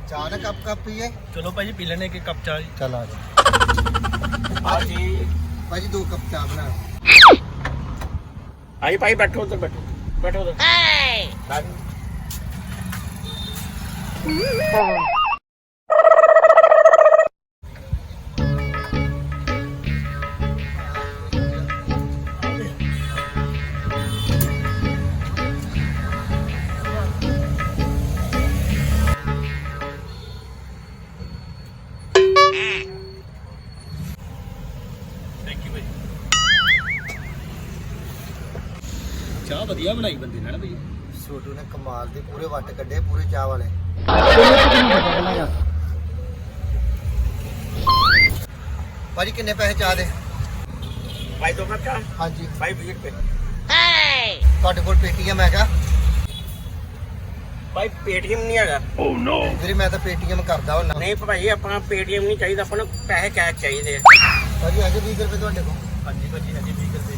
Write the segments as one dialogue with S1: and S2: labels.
S1: ਚਾਹ ਨਾ ਕੱਪ ਪੀਏ।
S2: ਚਲੋ ਭਾਜੀ ਪੀ ਲੈਣੇ ਇੱਕ ਕੱਪ ਚਾਹ ਜੀ।
S1: ਚੱਲ ਆ ਜਾ
S2: ਭਾਜੀ
S1: ਭਾਜੀ 2 ਕੱਪ ਚਾਹ ਬਣਾ।
S2: ਆਈ ਭਾਈ ਬੈਠੋ ਉਧਰ ਬੈਠੋ ਉਧਰ। ਚਾਹ ਵਧੀਆ ਬਣਾਈ ਬੰਦੇ ਨੇ ਨਾ ਬਈ।
S1: ਛੋਟੂ ਨੇ ਕਮਾਲ ਦੇ ਪੂਰੇ ਵੱਟ ਕੱਢੇ ਪੂਰੇ ਚਾਹ ਵਾਲੇ। ਭਾਜੀ ਕਿੰਨੇ ਪੈਸੇ ਚਾਹ ਦੇ?
S2: ਭਾਈ 2 ਕੱਪ ਚਾਹ।
S1: ਹਾਂਜੀ
S2: ਭਾਈ 20 ਰੁਪਏ।
S1: ਤੁਹਾਡੇ ਕੋਲ ਪੇਟੀਐਮ ਹੈਗਾ?
S2: ਭਾਈ ਪੇਟੀਐਮ ਨਹੀਂ ਹੈਗਾ। ਓ ਨੋ
S1: ਵੀਰੇ ਮੈਂ ਤਾਂ ਪੇਟੀਐਮ ਕਰਦਾ ਹੁੰਦਾ।
S2: ਨਹੀਂ ਭਾਈ ਆਪਣਾ ਪੇਟੀਐਮ ਨਹੀਂ ਚਾਹੀਦਾ, ਆਪਾਂ ਨੂੰ ਪੈਸੇ ਕੈਸ਼ ਚਾਹੀਦੇ ਆ।
S1: ਭਾਜੀ ਹੈਗੇ 20 ਰੁਪਏ ਤੁਹਾਡੇ ਕੋਲ?
S2: ਹਾਂਜੀ ਭਾਜੀ ਹਾਂਜੀ 20 ਰੁਪਏ।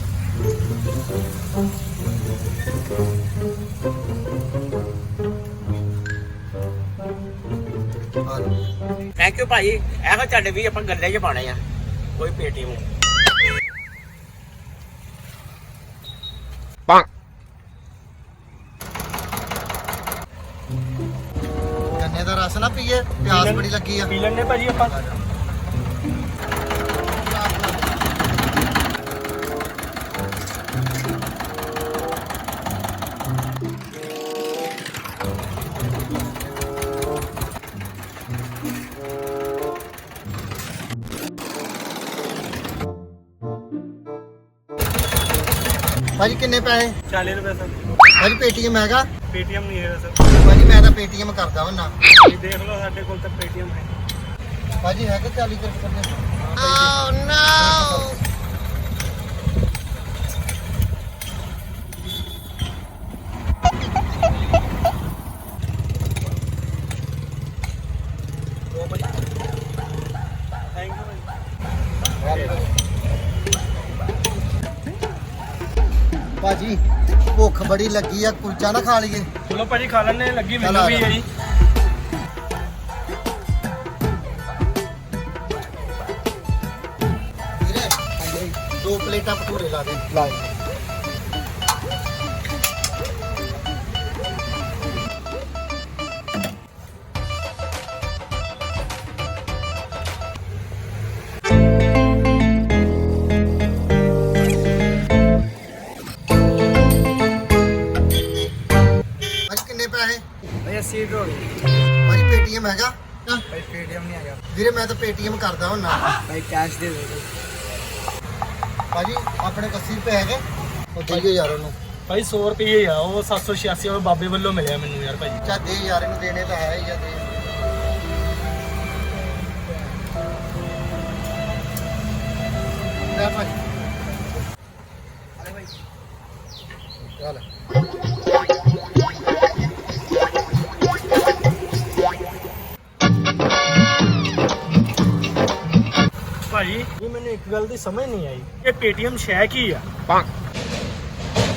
S2: ਥੈਂਕ ਯੂ ਭਾਈ। ਇਹੋ ਤੁਹਾਡੇ ਵੀ ਆਪਾਂ ਗੱਲੇ 'ਚ ਪਾਣੇ ਆ, ਕੋਈ ਪੇਟੀਐਮ ਨਹੀਂ।
S1: ਗੰਨੇ ਦਾ ਰਸ ਨਾ ਪੀਏ, ਪਿਆਸ ਬੜੀ ਲੱਗੀ ਆ।
S2: ਪੀ ਲੈਣੇ ਭਾਜੀ ਆਪਾਂ।
S1: ਭਾਜੀ ਕਿੰਨੇ ਪੈਸੇ?
S2: 40 ਰੁਪਏ ਸਰ।
S1: ਭਾਜੀ ਪੇਟੀਐਮ ਹੈਗਾ?
S2: ਪੇਟੀਐਮ ਨਹੀਂ ਹੈਗਾ ਸਰ।
S1: ਭਾਜੀ ਮੈਂ ਤਾਂ ਪੇਟੀਐਮ ਕਰਦਾ ਹੁੰਦਾ।
S2: ਤੁਸੀਂ ਦੇਖ ਲਓ ਸਾਡੇ ਕੋਲ ਤਾਂ ਪੇਟੀਐਮ ਹੈ।
S1: ਭਾਜੀ ਹੈਗੇ 40 ਰੁਪਏ ਕਰਦੇ?
S3: Oh no!
S2: ਥੈਂਕ ਯੂ ਭਾਜੀ।
S1: ਭਾਜੀ ਭੁੱਖ ਬੜੀ ਲੱਗੀ ਆ, ਕੁਲਚਾ ਨਾ ਖਾ ਲਈਏ?
S2: ਚਲੋ ਭਾਜੀ ਖਾ ਲੈਣੇ, ਲੱਗੀ
S1: ਚੱਲ
S2: ਮੈਨੂੰ
S1: ਆ
S2: ਵੀ
S1: ਜਾ।
S2: ਹੈ ਜੀ।
S1: ਵੀਰੇ 2 ਪਲੇਟਾਂ ਭਟੂਰੇ ਲਾ ਦੇ। ਭਾਜੀ ਕਿੰਨੇ ਪੈਸੇ?
S2: ਭਾਈ 80 ਰੁਪਏ ਹੋ ਗਏ।
S1: ਭਾਜੀ ਪੇਟੀਐਮ ਹੈਗਾ?
S2: ਭਾਈ ਪੇਟੀਐਮ ਨਹੀਂ ਹੈਗਾ।
S1: ਵੀਰੇ ਮੈਂ ਤਾਂ ਪੇਟੀਐਮ ਕਰਦਾ ਹੁੰਦਾ।
S2: ਭਾਈ ਕੈਸ਼ ਦੇ ਦਿਓ।
S1: ਭਾਜੀ ਆਪਣੇ ਕੋਲ 80 ਰੁਪਏ ਹੈਗੇ? ਉਹ ਦੇਈਏ ਯਾਰ ਉਹਨੂੰ।
S2: ਭਾਈ 100 ਰੁਪਏ ਆ, ਉਹ 786 ਉਹ ਬਾਬੇ ਵੱਲੋਂ ਮਿਲਿਆ ਮੈਨੂੰ ਯਾਰ ਭਾਈ।
S1: ਚਾ ਦੇ ਯਾਰ, ਇਹਨੂੰ ਦੇਣੇ ਤਾਂ ਹੈ ਹੀ ਆ, ਦੇ। ਲੈ ਭਾਜੀ। ਚੱਲ
S2: ਭਾਈ ਇਹ ਮੈਨੂੰ ਇੱਕ ਗੱਲ ਦੀ ਸਮਝ ਨਹੀਂ ਆਈ, ਇਹ ਪੇਟੀਐਮ ਸ਼ੈ ਕੀ ਆ?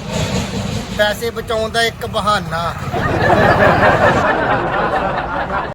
S1: ਪੈਸੇ ਬਚਾਉਣ ਦਾ ਇੱਕ ਬਹਾਨਾ।